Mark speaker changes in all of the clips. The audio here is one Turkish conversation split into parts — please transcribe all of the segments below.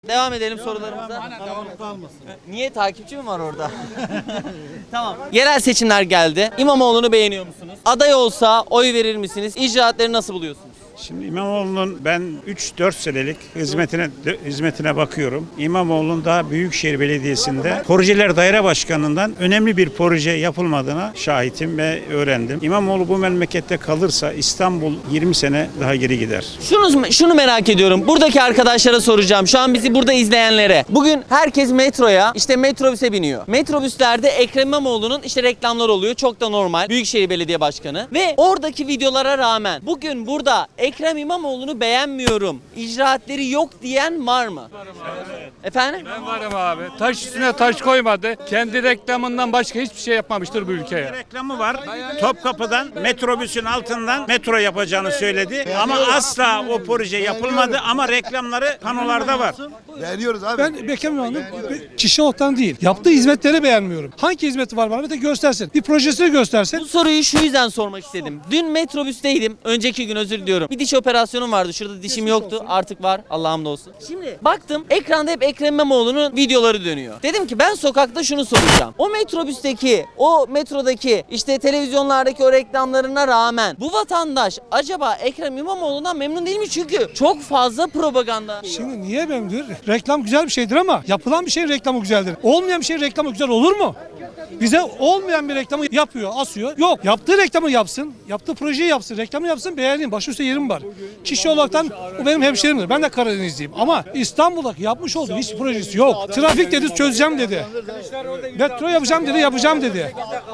Speaker 1: Devam edelim sorularımıza. Niye, takipçi mi var orada? Tamam. Yerel seçimler geldi. İmamoğlu'nu beğeniyor musunuz? Aday olsa oy verir misiniz? İcraatleri nasıl buluyorsunuz?
Speaker 2: Şimdi İmamoğlu'nun ben 3-4 senelik hizmetine bakıyorum. İmamoğlu'nun daha Büyükşehir Belediyesi'nde Projeler Daire Başkanı'ndan önemli bir proje yapılmadığına şahitim ve öğrendim. İmamoğlu bu memlekette kalırsa İstanbul 20 sene daha geri gider.
Speaker 1: Şunu merak ediyorum. Buradaki arkadaşlara soracağım. Şu an bizi burada izleyenlere. Bugün herkes metroya, işte metrobüse biniyor. Metrobüslerde Ekrem İmamoğlu'nun işte reklamlar oluyor. Çok da normal. Büyükşehir Belediye Başkanı. Ve oradaki videolara rağmen bugün burada Ekrem İmamoğlu'nu beğenmiyorum, İcraatleri yok diyen var mı?
Speaker 3: Evet.
Speaker 1: Efendim?
Speaker 3: Ben varım abi. Taş üstüne taş koymadı. Kendi reklamından başka hiçbir şey yapmamıştır bu ülkeye.
Speaker 2: Reklamı var. Topkapı'dan metrobüsün altından metro yapacağını söyledi. Ama asla o proje yapılmadı ama reklamları panolarda var.
Speaker 4: Beğeniyoruz abi.
Speaker 5: Ben beğenmiyorum. Kişi olarak değil. Yaptığı hizmetleri beğenmiyorum. Hangi hizmeti var bana da göstersin. Bir projesini göstersin.
Speaker 1: Bu soruyu şu yüzden sormak istedim. Dün metrobüsteydim. Önceki gün, özür diliyorum. Bir diş operasyonum vardı. Şurada dişim yoktu. Artık var. Allah'a hamdolsun. Şimdi baktım, ekranda hep Ekrem İmamoğlu'nun videoları dönüyor. Dedim ki ben sokakta şunu soracağım. O metrobüsteki, o metrodaki, işte televizyonlardaki o reklamlarına rağmen bu vatandaş acaba Ekrem İmamoğlu'ndan memnun değil mi? Çünkü çok fazla propaganda.
Speaker 5: Şimdi niye memnun? Reklam güzel bir şeydir ama yapılan bir şeyin reklamı güzeldir. Olmayan bir şeyin reklamı güzel olur mu? Bize olmayan bir reklamı yapıyor, asıyor. Yok, yaptığı reklamı yapsın, yaptığı projeyi yapsın, reklamı yapsın, beğeneyim. Başı üstte yerim var. Kişi olaraktan o benim hemşerimdir. Ben de Karadenizliyim. Ama İstanbul'daki yapmış olduğu hiç projesi yok. Trafik dedi, çözeceğim dedi. Metro yapacağım dedi, yapacağım dedi.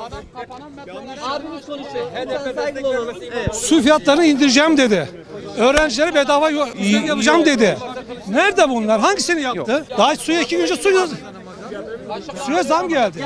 Speaker 5: Su fiyatlarını indireceğim dedi. Öğrencilere bedava yapacağım dedi. Nerede bunlar? Hangisini yaptı? Daha suya 2 gün önce suya zam geldi.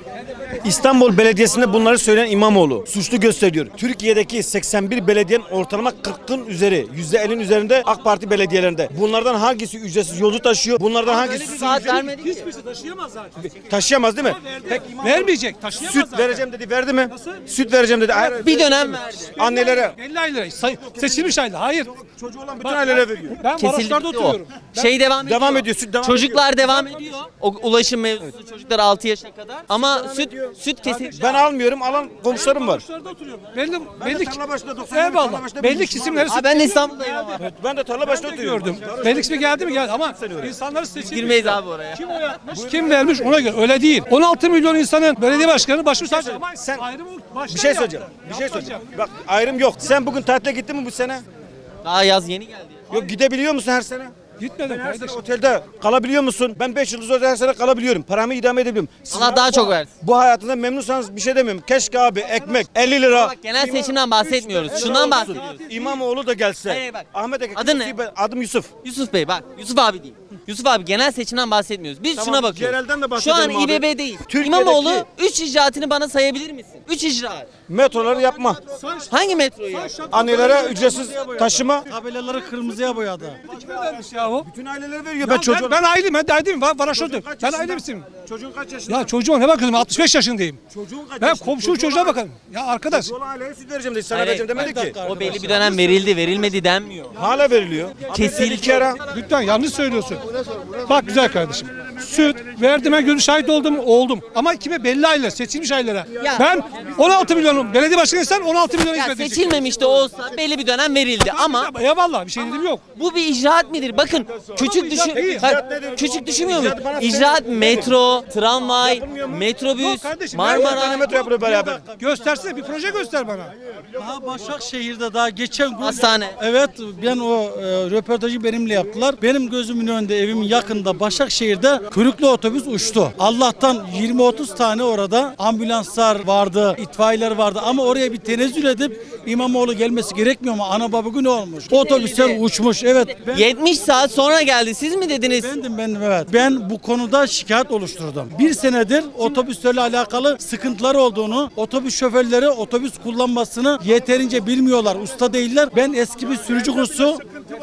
Speaker 6: İstanbul Belediyesi'nde bunları söyleyen İmamoğlu suçlu gösteriyor. Türkiye'deki 81 belediyenin ortalama 40'ın üzeri, %50'nin üzerinde AK Parti belediyelerinde. Bunlardan hangisi ücretsiz yolcu taşıyor? Bunlardan hangisi su
Speaker 1: Saat
Speaker 6: ücreti
Speaker 1: vermedik ki.
Speaker 5: Hiçbirisi taşıyamaz zaten.
Speaker 6: taşıyamaz değil mi? Peki,
Speaker 5: Vermeyecek, taşıyamaz
Speaker 6: süt
Speaker 5: zaten.
Speaker 6: vereceğim dedi, verdi mi? Süt vereceğim dedi. Hayır.
Speaker 1: Bir dönem verdi.
Speaker 6: Annelere.
Speaker 5: 50 aylık seçilmiş aylık. Hayır.
Speaker 6: Çocuğu olan bütün ailelere veriyor.
Speaker 5: Ben
Speaker 1: Kesildi
Speaker 5: Maraşlar'da
Speaker 1: o.
Speaker 5: oturuyorum.
Speaker 1: Şey devam ediyor.
Speaker 6: Devam ediyor, süt devam ediyor.
Speaker 1: Çocuklar devam ediyor. O ulaşım mevzusu, çocuklar 6 yaşına kadar. Ama süt kesildi.
Speaker 6: Ben almıyorum, alan komşularım var.
Speaker 5: Maraşlar'da oturuyorum. Belli
Speaker 6: tarla başında 90 tarla
Speaker 5: eyvallah.
Speaker 6: başında
Speaker 5: Belli
Speaker 6: bulmuşum
Speaker 5: kesimleri
Speaker 1: Abi ben de İstanbul'dayım ama.
Speaker 6: Ben de tarla başında oturuyorum.
Speaker 5: gördüm. Belli kısmı geldi mi geldi ama insanları seçilmiş.
Speaker 1: Girmeyiz abi oraya.
Speaker 5: Kim oy atmış, kim vermiş ona göre. Öyle değil. 16 milyon insanın belediye başkanı başımız sadece. Ama
Speaker 6: Sen-
Speaker 5: ayrımı baştan
Speaker 6: Bir şey
Speaker 5: yap.
Speaker 6: söyleyeceğim. Bir şey söyleyeceğim. Bak ayrım yok. Sen bugün tatile gittin mi bu sene?
Speaker 1: Daha yaz yeni geldi.
Speaker 6: Yok, gidebiliyor musun her sene?
Speaker 5: Gitmedim
Speaker 6: Her sene
Speaker 5: kardeşim.
Speaker 6: otelde kalabiliyor musun? Ben 5 yıldız otelde her sene kalabiliyorum. Paramı idame edebiliyorum. Siz
Speaker 1: Allah daha çok versin.
Speaker 6: bu hayatında memnunsanız bir şey demiyorum. Keşke abi ekmek 50 lira.
Speaker 1: Bak, genel seçimden bahsetmiyoruz. Şundan bahsediyoruz.
Speaker 6: İmamoğlu da gelse.
Speaker 1: Hayır, bak.
Speaker 6: Ahmet Eke.
Speaker 1: Adın ne?
Speaker 6: Adım Yusuf.
Speaker 1: Yusuf Bey bak, Yusuf abi değil. Yusuf abi, genel seçimden bahsetmiyoruz. Biz
Speaker 6: Tamam,
Speaker 1: şuna bakıyoruz.
Speaker 6: genelden de
Speaker 1: Şu an
Speaker 6: bahsedelim abi.
Speaker 1: İBB değil.
Speaker 6: Türkiye'deki-
Speaker 1: İmamoğlu 3 icraatını bana sayabilir misin? 3 icraat.
Speaker 6: Metroları yapma.
Speaker 1: Hangi metroyu ya?
Speaker 6: Annelere ücretsiz taşıma.
Speaker 7: Tabelaları kırmızıya boyadı.
Speaker 5: Kime vermiş ya o?
Speaker 6: Bütün aileler veriyor.
Speaker 5: Ben,
Speaker 6: Ben çocuğum.
Speaker 5: ben aileyim, ben de aileyim. Varaşo'dum. Ben ailemsin.
Speaker 6: Çocuğun kaç yaşında?
Speaker 5: Ya çocuğuma ne bakıyorsun? 65 yaşındayım.
Speaker 6: Çocuğun kaç
Speaker 5: Ben
Speaker 6: yaşında?
Speaker 5: komşu çocuğa bakarım. Ya arkadaş.
Speaker 6: Çocuğun aileye süt vereceğim dedi. Sana
Speaker 1: Hayır,
Speaker 6: vereceğim demedi ki.
Speaker 1: O belli bir dönem verildi, verilmedi denmiyor.
Speaker 6: Hala veriliyor.
Speaker 1: Kesildi.
Speaker 6: İki ara.
Speaker 5: Lütfen yanlış söylüyorsun. Bak güzel kardeşim. Süt verdim, ben gönül şahit oldum. Ama kime? Belli aileler, seçilmiş ailelere.
Speaker 1: Ya.
Speaker 5: Ben 16 milyonum. Belediye başkanıysan 16 milyon
Speaker 1: Ya
Speaker 5: hizmet edecek.
Speaker 1: seçilmemiş de olsa belli bir dönem verildi ama
Speaker 5: Eyvallah, bir şey dedim yok.
Speaker 1: bu bir icraat midir? Bakın küçük düşün.
Speaker 5: değil.
Speaker 1: Hayır, küçük düşünmüyor muyum? İcraat metro, tramvay, metrobüs,
Speaker 5: Yok kardeşim,
Speaker 1: Marmara.
Speaker 6: Metro yapılıyor beraber.
Speaker 5: Göstersene, bir proje göster bana.
Speaker 7: Daha Başakşehir'de daha geçen gün
Speaker 1: Hastane.
Speaker 7: Evet, ben o röportajı benimle yaptılar. Benim gözümün önünde, evimin yakında Başakşehir'de kuyruklu otobüs uçtu. Allah'tan 20-30 tane orada ambulanslar vardı, itfaiyeler vardı ama oraya bir tenezzül edip İmamoğlu gelmesi gerekmiyor mu? Ana baba günü olmuş. Otobüsler uçmuş. Evet.
Speaker 1: 70 saat sonra geldi. Siz mi dediniz?
Speaker 7: Bendim evet. Ben bu konuda şikayet oluşturdum. Bir senedir otobüslerle alakalı sıkıntıları olduğunu, otobüs şoförleri otobüs kullanmasını yeterince bilmiyorlar, usta değiller. Ben eski bir sürücü kursu,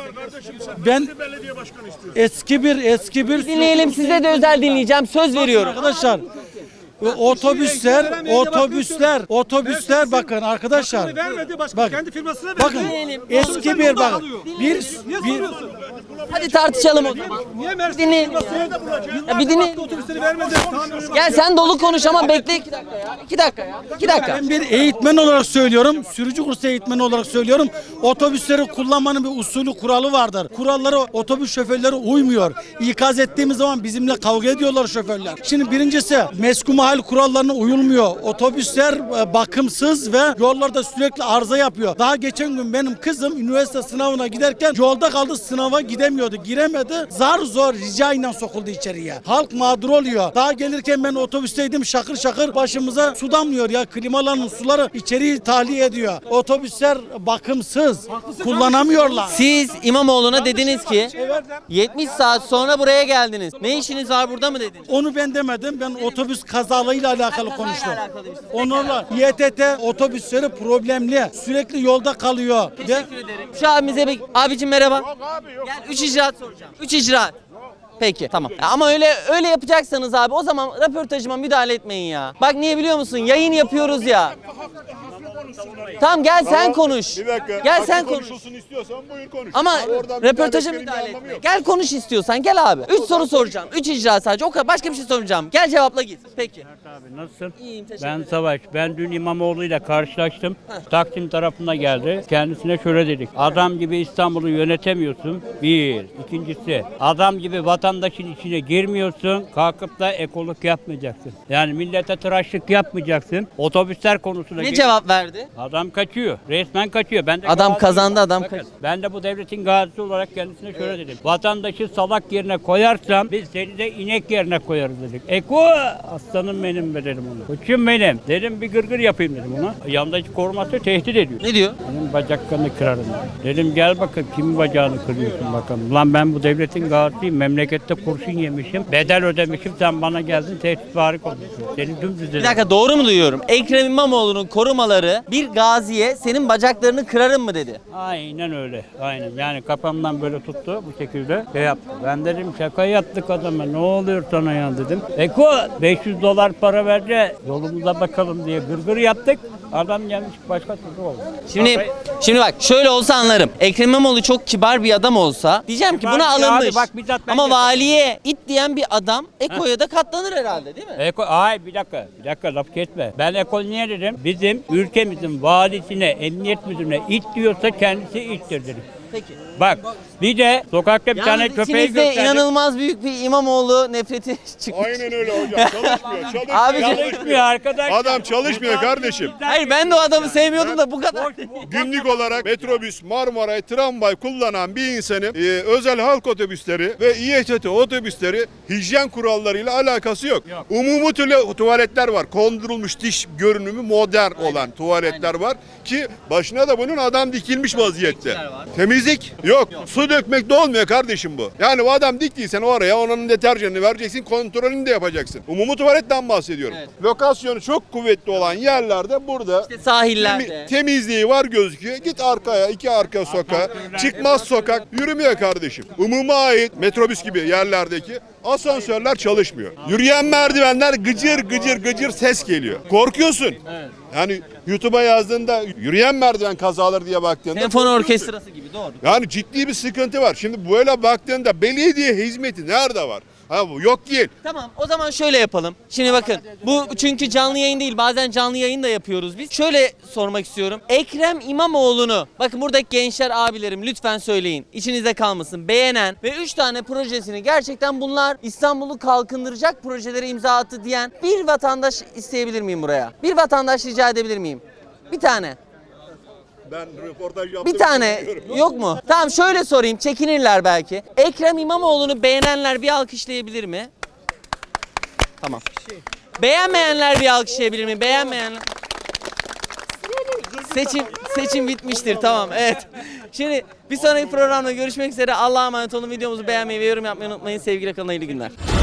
Speaker 7: ben eski bir
Speaker 1: Dinleyelim, size de özel dinleyeceğim. Söz veriyorum.
Speaker 7: arkadaşlar. Otobüsler bakın arkadaşlar.
Speaker 5: Vermedi başka
Speaker 7: Bak,
Speaker 5: kendi firmasına verdi.
Speaker 7: Bakın eski bir bakın. Bir
Speaker 1: Hadi tartışalım o zaman.
Speaker 5: Niye
Speaker 1: Bir
Speaker 5: Mersin?
Speaker 1: dinleyin ya. Ya bir dinleyin.
Speaker 5: Otobüsleri vermedi.
Speaker 1: Gel sen dolu konuş ama bekle 2 dakika ya. 2 dakika ya. 2 dakika.
Speaker 7: Ben bir eğitmen olarak söylüyorum, sürücü kursu eğitmeni olarak söylüyorum. Otobüsleri kullanmanın bir usulü, kuralı vardır. Kurallara otobüs şoförleri uymuyor. İkaz ettiğimiz zaman bizimle kavga ediyorlar şoförler. Şimdi birincisi meskun mahal kurallarına uyulmuyor. Otobüsler bakımsız ve yollarda sürekli arıza yapıyor. Daha geçen gün benim kızım üniversite sınavına giderken yolda kaldı, sınava gidemiyordu, giremedi. Zar zor ricayla sokuldu içeriye. Halk mağdur oluyor. Daha gelirken ben otobüsteydim, şakır şakır başımıza su damlıyor ya. Klimaların suları içeriği tahliye ediyor. Otobüsler bakımsız, kullanamıyorlar.
Speaker 1: Siz İmamoğlu'na dediniz ki 70 saat sonra buraya geldiniz. Ne işiniz var burada mı dediniz?
Speaker 7: Onu ben demedim. Ben otobüs kazalarıyla alakalı konuştum.
Speaker 1: alakalıymış.
Speaker 7: Onlarla İETT otobüsleri problemli. Sürekli yolda kalıyor. Ve
Speaker 1: Şu abimize bir abicim merhaba. Gel 3 icraat soracağım. 3 icraat. Peki tamam. Ya ama öyle yapacaksanız abi o zaman röportajıma müdahale etmeyin ya. Bak niye biliyor musun? Yayın yapıyoruz ya. Tamam gel sen konuş.
Speaker 4: Bir dakika.
Speaker 1: Gel
Speaker 4: Hakkı
Speaker 1: sen konuş.
Speaker 4: konuşulsun istiyorsan buyur konuş.
Speaker 1: Ama
Speaker 4: Oradan
Speaker 1: röportaja
Speaker 4: müdahale
Speaker 1: müdahale
Speaker 4: etmenin bir
Speaker 1: etme.
Speaker 4: anlamı yok.
Speaker 1: Gel konuş istiyorsan gel abi. 3 soru soracağım. 3 icra sadece. O kadar. Başka bir şey sormayacağım. Gel cevapla git. Peki.
Speaker 8: Abi nasılsın?
Speaker 1: İyiyim teşekkür
Speaker 8: Ben
Speaker 1: ederim.
Speaker 8: Savaş. Ben dün İmamoğlu ile karşılaştım. Taksim tarafına geldi. Kendisine şöyle dedik. Adam gibi İstanbul'u yönetemiyorsun. Bir. İkincisi adam gibi vatandaşın içine girmiyorsun. Kalkıp da ekolog yapmayacaksın. Yani millete tıraşlık yapmayacaksın. Otobüsler konusunda
Speaker 1: Ne cevap verdi?
Speaker 8: Adam kaçıyor. Resmen kaçıyor. Ben de
Speaker 1: Adam
Speaker 8: gaziyim.
Speaker 1: kazandı, adam
Speaker 8: Bakın,
Speaker 1: kaçtı.
Speaker 8: ben de bu devletin gazisi olarak kendisine şöyle dedim. Vatandaşı salak yerine koyarsam biz seni de inek yerine koyarız dedik. Eko aslanım benim be dedim ona. Koçum benim. Dedim bir gırgır yapayım dedim ona. Yandaki koruması tehdit ediyor.
Speaker 1: Ne diyor?
Speaker 8: Benim bacaklarını kırarım. Dedim gel bakın kimin bacağını kırıyorsun bakalım. Lan ben bu devletin gazisiyim. Memlekette kurşun yemişim. Bedel ödemişim. Sen bana geldin tehditvari konuşuyorsun. Seni dümdüz dedim.
Speaker 1: Bir dakika doğru mu duyuyorum? Ekrem İmamoğlu'nun korumaları bir gaziye senin bacaklarını kırarım mı dedi.
Speaker 8: Aynen öyle. Aynen. Yani kafamdan böyle tuttu bu şekilde şey yaptı. Ben dedim şaka yaptık adama. Ne oluyor sana ya dedim. Eko $500 para verce yolumuza bakalım diye gırgır yaptık. Adam gelmiş başka türlü oldu.
Speaker 1: Şimdi bak şöyle olsa anlarım. Ekrem İmamoğlu çok kibar bir adam olsa diyeceğim ki
Speaker 8: Kibar
Speaker 1: buna
Speaker 8: bir
Speaker 1: alınmış.
Speaker 8: abi, bak bizzat ben
Speaker 1: Ama
Speaker 8: yapıyorum.
Speaker 1: valiye it diyen bir adam Eko'ya da katlanır herhalde değil mi?
Speaker 8: Eko, ay bir dakika laf kesme. Ben Eko niye dedim? Bizim ülkemizin valisine, emniyet müdürüne it diyorsa kendisi ittir dedim.
Speaker 1: Peki.
Speaker 8: Bak bir de sokakta bir tane
Speaker 1: Yalnız
Speaker 8: köpeği
Speaker 1: içinizde
Speaker 8: gösterdim.
Speaker 1: inanılmaz büyük bir İmamoğlu nefreti çıkmış.
Speaker 4: Aynen öyle hocam. Çalışmıyor.
Speaker 1: Abi,
Speaker 8: Çalışmıyor arkadaş.
Speaker 4: Adam çalışmıyor kardeşim.
Speaker 1: Hayır ben de o adamı sevmiyordum da bu kadar.
Speaker 4: Günlük olarak metrobüs, Marmaray, tramvay kullanan bir insanın özel halk otobüsleri ve İETT otobüsleri hijyen kurallarıyla alakası yok. Umumi tuvaletler var. Kondurulmuş diş görünümü modern olan tuvaletler var ki başına da bunun adam dikilmiş vaziyette. Temizlik yok. Su dökmek de olmuyor kardeşim bu. Yani o adam diktiysen oraya onun deterjanını vereceksin, kontrolünü de yapacaksın. Umumi tuvaletten bahsediyorum.
Speaker 1: Evet.
Speaker 4: Lokasyonu çok kuvvetli olan yerlerde burada
Speaker 1: İşte sahillerde.
Speaker 4: temizliği var gözüküyor. Git arkaya, iki arka sokağa, çıkmaz sokak yürümüyor kardeşim. Umuma ait metrobüs gibi yerlerdeki asansörler çalışmıyor. Yürüyen merdivenler gıcır gıcır gıcır ses geliyor. Korkuyorsun. Yani YouTube'a yazdığında yürüyen merdiven kazaları diye baktığında
Speaker 1: Senfoni
Speaker 4: korkuyorsun.
Speaker 1: orkestrası gibi doğru.
Speaker 4: Yani ciddi bir sıkıntı var. Şimdi böyle baktığında belediye hizmeti nerede var? Ha bu yok değil.
Speaker 1: Tamam o zaman şöyle yapalım. Şimdi bakın bu çünkü canlı yayın değil bazen canlı yayın da yapıyoruz biz. Şöyle sormak istiyorum. Ekrem İmamoğlu'nu bakın buradaki gençler abilerim lütfen söyleyin. İçinizde kalmasın. Beğenen ve 3 tane projesini gerçekten bunlar İstanbul'u kalkındıracak projelere imza attı diyen bir vatandaş isteyebilir miyim buraya? Bir vatandaş rica edebilir miyim? Bir tane.
Speaker 4: Ben röportaj yaptım.
Speaker 1: Bir tane yok mu? Tamam şöyle sorayım çekinirler belki. Ekrem İmamoğlu'nu beğenenler bir alkışlayabilir mi? Tamam. Beğenmeyenler bir alkışlayabilir mi? Beğenmeyenler. Seçim bitmiştir tamam evet. Şimdi bir sonraki programda görüşmek üzere. Allah'a emanet olun. Videomuzu beğenmeyi ve yorum yapmayı unutmayın. Sevgiyle kalın, hayırlı günler.